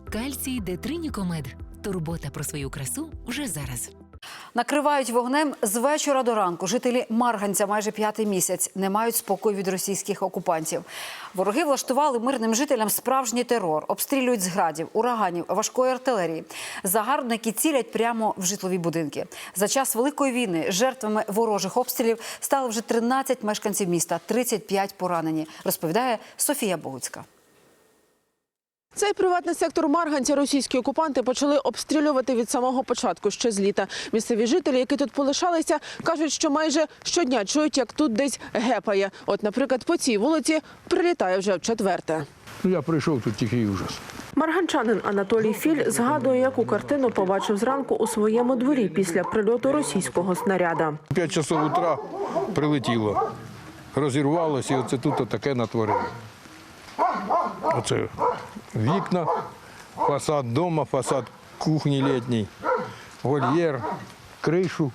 Кальцій Детринікомед. Турбота про свою красу вже зараз. Накривають вогнем з вечора до ранку. Жителі Марганця майже 5-й місяць не мають спокою від російських окупантів. Вороги влаштували мирним жителям справжній терор. Обстрілюють з градів, ураганів, важкої артилерії. Загарбники цілять прямо в житлові будинки. За час Великої війни жертвами ворожих обстрілів стали вже 13 мешканців міста, 35 поранені, розповідає Софія Богуцька. Цей приватний сектор Марганця російські окупанти почали обстрілювати від самого початку, ще з літа. Місцеві жителі, які тут полишалися, кажуть, що майже щодня чують, як тут десь гепає. От, наприклад, по цій вулиці прилітає вже вчетверте. Я прийшов, тут тихий ужас. Марганчанин Анатолій Філь згадує, яку картину побачив зранку у своєму дворі після прильоту російського снаряда. 5 часов утра прилетіло, розірвалося, і оце тут таке натворило. Оце вікна, фасад дома, фасад кухні літній, вольєр, кришу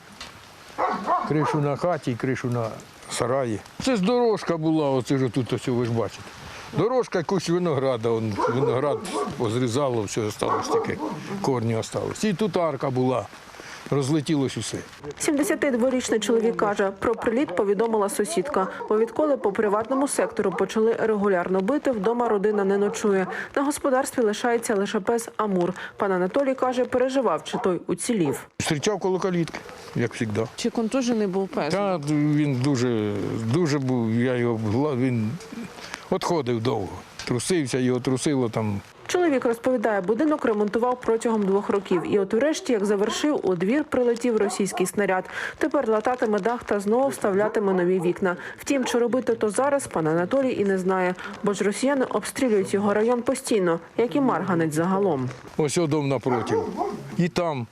на хаті, кришу на сараї. Це ж дорожка була, оце ж тут, ось, ви ж бачите. Дорожка, якусь винограда, виноград позрізало, все залишилось таке, корні залишились. І тут арка була. Розлетілось усе. 72-річний чоловік каже, про приліт повідомила сусідка. Бо відколи по приватному сектору почали регулярно бити, вдома родина не ночує. На господарстві лишається лише пес Амур. Пан Анатолій каже, переживав, чи той уцілів. Зустрічав коло калітки, як завжди. Чи контужений був пес? Та він дуже був, він відходив довго. Трусився, його трусило там. Чоловік розповідає, будинок ремонтував протягом 2 років. І от урешті, як завершив, у двір прилетів російський снаряд. Тепер лататиме дах та знову вставлятиме нові вікна. Втім, чи робити то зараз, пан Анатолій і не знає. Бо ж росіяни обстрілюють його район постійно, як і Марганець загалом. Ось дом напроти. І там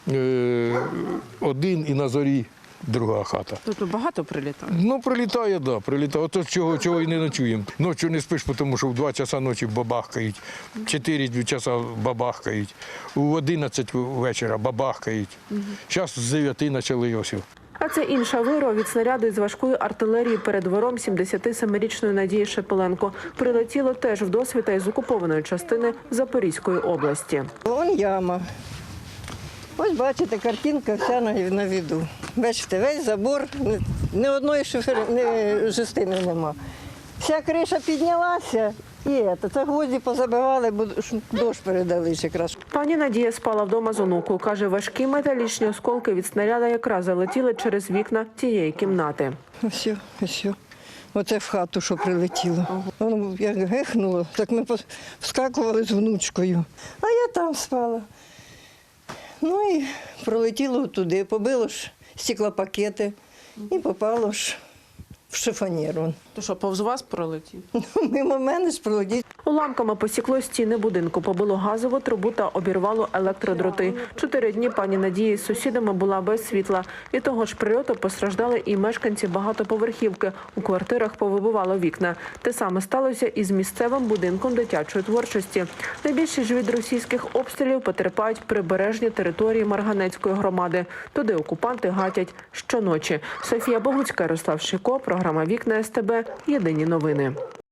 один, і на зорі друга хата. Тут багато прилітає? Ну, прилітає, так, прилітає. Ото чого і не ночуємо. Ночі не спиш, тому що в 2 часа ночі бабахкають, 4 часа бабахкають, у 11 вечора бабахкають. Зараз з 9 почали ось. А це інша вирва від снаряду із важкої артилерії перед двором 77-річної Надії Шепеленко. Прилетіло теж в досвіта із окупованої частини Запорізької області. Вон яма. Ось бачите, картинка вся на віду. Бачите, весь забор, ні одної жестини нема. Вся криша піднялася і це гвозді позабивали, бо дощ передали якраз. Пані Надія спала вдома з онукою. Каже, важкі металічні осколки від снаряда якраз залетіли через вікна тієї кімнати. Ось. Оце в хату, що прилетіло. Воно як гехнуло, так ми вскакували з внучкою. А я там спала. Ну і пролетіло туди, побило ж стеклопакети і попало ж в шифонєр. То що, повз вас пролетів? Мимо мене ж пролетів. Уламками посікло стіни будинку, побило газову трубу та обірвало електродроти. 4 дні пані Надії з сусідами була без світла. Від того ж прильоту постраждали і мешканці багатоповерхівки. У квартирах повибивало вікна. Те саме сталося і з місцевим будинком дитячої творчості. Найбільше ж від російських обстрілів потерпають прибережні території Марганецької громади. Туди окупанти гатять щоночі. Софія Богуцька, Ярослав Шико, програма «Вікна СТБ». Єдині новини.